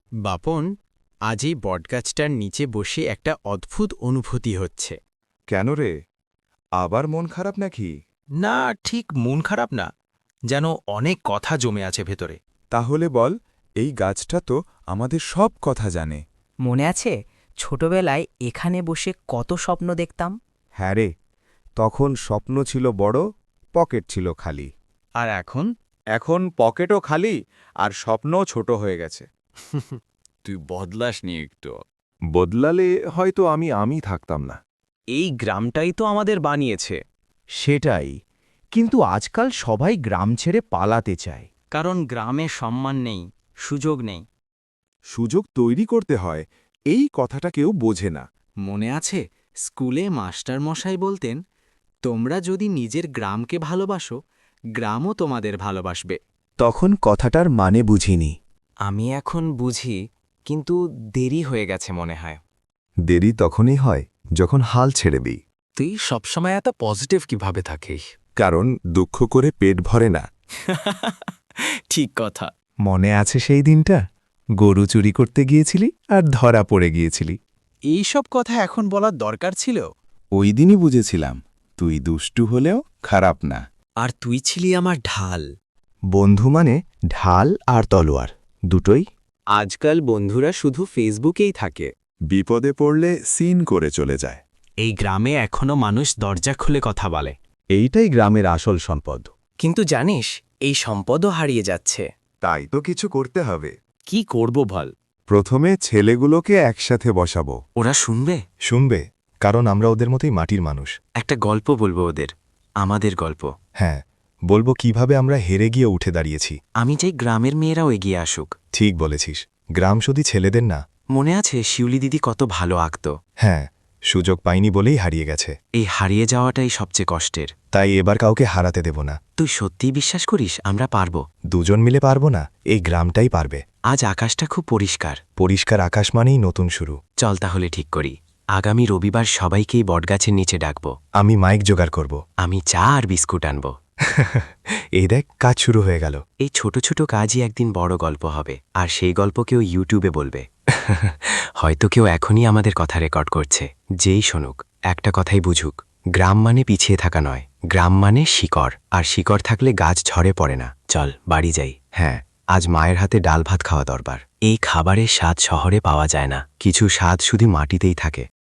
বাপন, আজ এই বটগাছটার নিচে বসে একটা অদ্ভুত অনুভূতি হচ্ছে। কেন রে, আবার মন খারাপ নাকি? না, ঠিক মন খারাপ না, যেন অনেক কথা জমে আছে ভেতরে। তাহলে বল, এই গাছটা তো আমাদের সব কথা জানে। মনে আছে ছোটবেলায় এখানে বসে কত স্বপ্ন দেখতাম? হ্যাঁ রে, তখন স্বপ্ন ছিল বড়, পকেট ছিল খালি। আর এখন এখন পকেটও খালি আর স্বপ্নও ছোট হয়ে গেছে। তুই বদলাসনি একটু। বদলালে হয়তো আমি থাকতাম না। এই গ্রামটাই তো আমাদের বানিয়েছে। সেটাই, কিন্তু আজকাল সবাই গ্রাম ছেড়ে পালাতে চায়। কারণ গ্রামে সম্মান নেই, সুযোগ নেই। সুযোগ তৈরি করতে হয়, এই কথাটা কেউ বোঝে না। মনে আছে স্কুলে মাস্টারমশাই বলতেন, তোমরা যদি নিজের গ্রামকে ভালোবাসো, গ্রামও তোমাদের ভালোবাসবে। তখন কথাটার মানে বুঝিনি। আমি এখন বুঝি, কিন্তু দেরি হয়ে গেছে মনে হয়। দেরি তখনই হয় যখন হাল ছেড়ে দিই। তুই সবসময় এত পজিটিভ কিভাবে থাকিস? কারণ দুঃখ করে পেট ভরে না। ঠিক কথা। মনে আছে সেই দিনটা গরু চুরি করতে গিয়েছিলি আর ধরা পড়ে গিয়েছিলি? এইসব কথা এখন বলার দরকার ছিল? ওই দিনই বুঝেছিলাম তুই দুষ্টু হলেও খারাপ না। আর তুই ছিলি আমার ঢাল। বন্ধু মানে ঢাল আর তলোয়ার দুটোই। আজকাল বন্ধুরা শুধু ফেসবুকেই থাকে। বিপদে পড়লে সিন করে চলে যায়। এই গ্রামে এখনো মানুষ দরজা খুলে কথা বলে। এইটাই গ্রামের আসল সম্পদ। কিন্তু জানিস, এই সম্পদও হারিয়ে যাচ্ছে। তাই তো কিছু করতে হবে। কি করব বল? প্রথমে ছেলেগুলোকে একসাথে বসাবো। ওরা শুনবে? শুনবে, কারণ আমরা ওদের মতোই মাটির মানুষ। একটা গল্প বলবো ওদের, আমাদের গল্প। হ্যাঁ, বলবো কিভাবে আমরা হেরে গিয়ে উঠে দাঁড়িয়েছি। আমি চাই গ্রামের মেয়েরাও এগিয়ে আসুক। ঠিক বলেছিস, গ্রাম শুধু ছেলেদের না। মনে আছে শিউলি দিদি কত ভালো আঁকত? হ্যাঁ, সুযোগ পাইনি বলেই হারিয়ে গেছে। এই হারিয়ে যাওয়াটাই সবচেয়ে কষ্টের। তাই এবার কাউকে হারাতে দেব না। তুই সত্যিই বিশ্বাস করিস আমরা পারবো? দুজন মিলে পারবো না, এই গ্রামটাই পারবে। আজ আকাশটা খুব পরিষ্কার। পরিষ্কার আকাশ মানেই নতুন শুরু। চল তাহলে ঠিক করি, আগামী রবিবার সবাইকেই বটগাছের নিচে ডাকবো। আমি মাইক জোগাড় করব। আমি চা আর বিস্কুট আনবো। এই দেখ, কাজ শুরু হয়ে গেল। এই ছোট ছোট কাজই একদিন বড় গল্প হবে, আর সেই গল্প কেউ ইউটিউবে বলবে। হয়তো কেউ এখনই আমাদের কথা রেকর্ড করছে। যেই শুনুক, একটা কথাই বুঝুক, গ্রাম মানে পিছিয়ে থাকা নয়, গ্রাম মানে শিকড়, আর শিকড় থাকলে গাছ ঝরে পড়ে না। চল বাড়ি যাই। হ্যাঁ, আজ মায়ের হাতে ডাল ভাত খাওয়া দরকার। এই খাবারের স্বাদ শহরে পাওয়া যায় না, কিছু স্বাদ শুধু মাটিতেই থাকে।